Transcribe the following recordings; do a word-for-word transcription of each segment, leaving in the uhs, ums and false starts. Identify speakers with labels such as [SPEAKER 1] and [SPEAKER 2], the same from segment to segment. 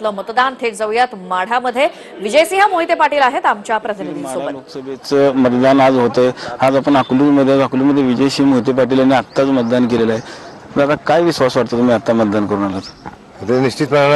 [SPEAKER 1] लोकसभेतलं मतदान. थेट जाऊयात माढामध्ये. विजयसिंह मोहिते पाटील आहेत आमच्या प्रतिनिधींसोबत.
[SPEAKER 2] लोकसभेचं मतदान आज होतंय. आज आपण अकलूजमध्ये अकलूजमध्ये विजयसिंह मोहिते पाटील यांनी आत्ताच मतदान केलेलं आहे. दादा, काय विश्वास वाटतो तुम्ही आता मतदान करून आलात?
[SPEAKER 3] ते निश्चितपणे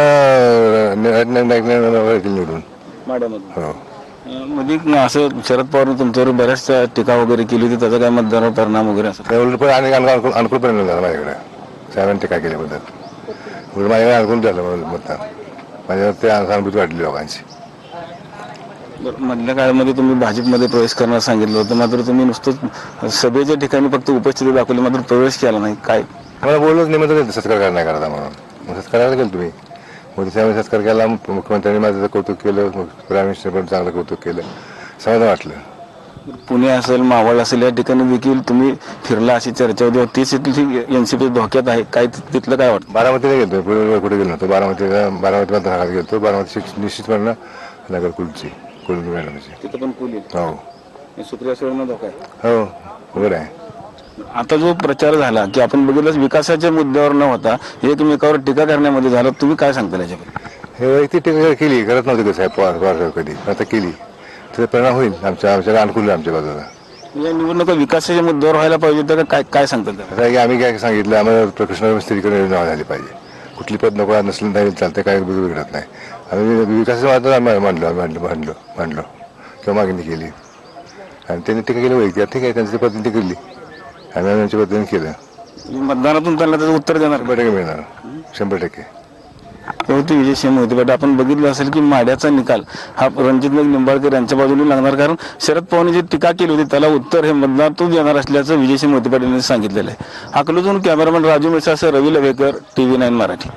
[SPEAKER 3] निवडून
[SPEAKER 2] माढ्यामध्ये हो मध्ये असं शरद पवार तुमच्यावर बऱ्याच टीका वगैरे केली होती, त्याचा काय मतदानावर परिणाम वगैरे असं
[SPEAKER 3] पण आणि अनुकूल परिणाम झाला माझ्याकडे. साहेबांनी टीका केल्याबद्दल उलट माझ्याकडे अनुकूल झालं मतदान. माझ्यावर ते सहानुभूती वाटली लोकांची.
[SPEAKER 2] मधल्या काळामध्ये तुम्ही भाजपमध्ये प्रवेश करण्यास सांगितलं होतं, मात्र तुम्ही नुसतं सभेच्या ठिकाणी फक्त उपस्थिती दाखवली, मात्र प्रवेश केला नाही. काय
[SPEAKER 3] मला बोललोच नाही, म्हणतो सत्कार नाही करता म्हणून. सत्कारायला गेलो तुम्ही मोदी साहेबांनी सत्कार केला. मुख्यमंत्र्यांनी माझं कौतुक केलं, प्राईम मिनिस्टर पण चांगलं कौतुक केलं, समाधान वाटलं.
[SPEAKER 2] पुणे असेल, मावळ असेल, या ठिकाणी देखील तुम्ही फिरला अशी चर्चा होती. तीच इथली एनसीपी धोक्यात आहे. काय तिथलं काय वाटतं?
[SPEAKER 3] बारामतीला गेलो, पुढे कुठे गेलो नव्हतो. बारामतीला बारामती मतदारसंघात गेलो. बारामती निश्चितपणे नगर कुलची कुलची मॅडमची
[SPEAKER 2] तिथं पण कुल
[SPEAKER 3] हो
[SPEAKER 2] सुप्रिया सुळेंना धोका आहे.
[SPEAKER 3] हो बरोबर आहे.
[SPEAKER 2] आता जो प्रचार झाला की आपण बघितलं विकासाच्या मुद्द्यावर न होता एकमेकावर टीका करण्यामध्ये झाला, तुम्ही काय सांगता याच्याबद्दल?
[SPEAKER 3] हे वैयक्तिक टीका केली, करत नव्हती साहेब पवार पवार कधी, आता केली. त्याचा परिणाम होईल आमच्या आमच्याला अनुकूल आमच्या बाजूला.
[SPEAKER 2] या निवडणुका विकासाच्या मुद्द्यावर व्हायला पाहिजे तर काय काय सांगतात?
[SPEAKER 3] आता की आम्ही काय सांगितलं, आम्हाला कृष्ण स्त्रीकडे नाव झाली पाहिजे. कुठली पद नको नसलं तरी चालतं, काय बिघडत नाही. आम्ही विकासाचं मात्र आम्ही मांडलो मांडलो मांडलो मांडलो किंवा मागणी केली आणि त्यांनी टीका केली वैयक्तिक. ठीक आहे, त्यांची पद्धती केली, आम्ही आमच्या पद्धतीने केलं.
[SPEAKER 2] मतदानातून त्यांना त्याचं उत्तर देणार
[SPEAKER 3] शंभर टक्के मिळणार, शंभर टक्के.
[SPEAKER 2] होती विजयसिंह मोहिते पाटील. आपण बघितलं असेल की माढ्याचा निकाल हा रणजित निंबाळकर यांच्या बाजूने लागणार, कारण शरद पवारांनी जी टीका केली होती त्याला उत्तर हे मतदानातून देणार असल्याचं विजयसिंह मोहिते पाटील यांनी सांगितलेलं आहे. अकलूजहून कॅमेरामॅन राजू मिसासह रवी लवेकर, टीव्ही नाईन मराठी.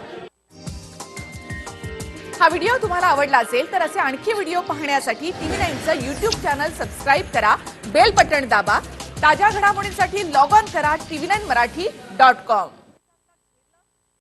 [SPEAKER 4] हा व्हिडिओ तुम्हाला आवडला असेल तर असे आणखी व्हिडिओ पाहण्यासाठी टीव्ही नाईनचं यूट्यूब चॅनल सबस्क्राईब करा, बेल बटण दाबा. ताज्या घडामोडींसाठी लॉग ऑन करा TV nine Marathi dot com.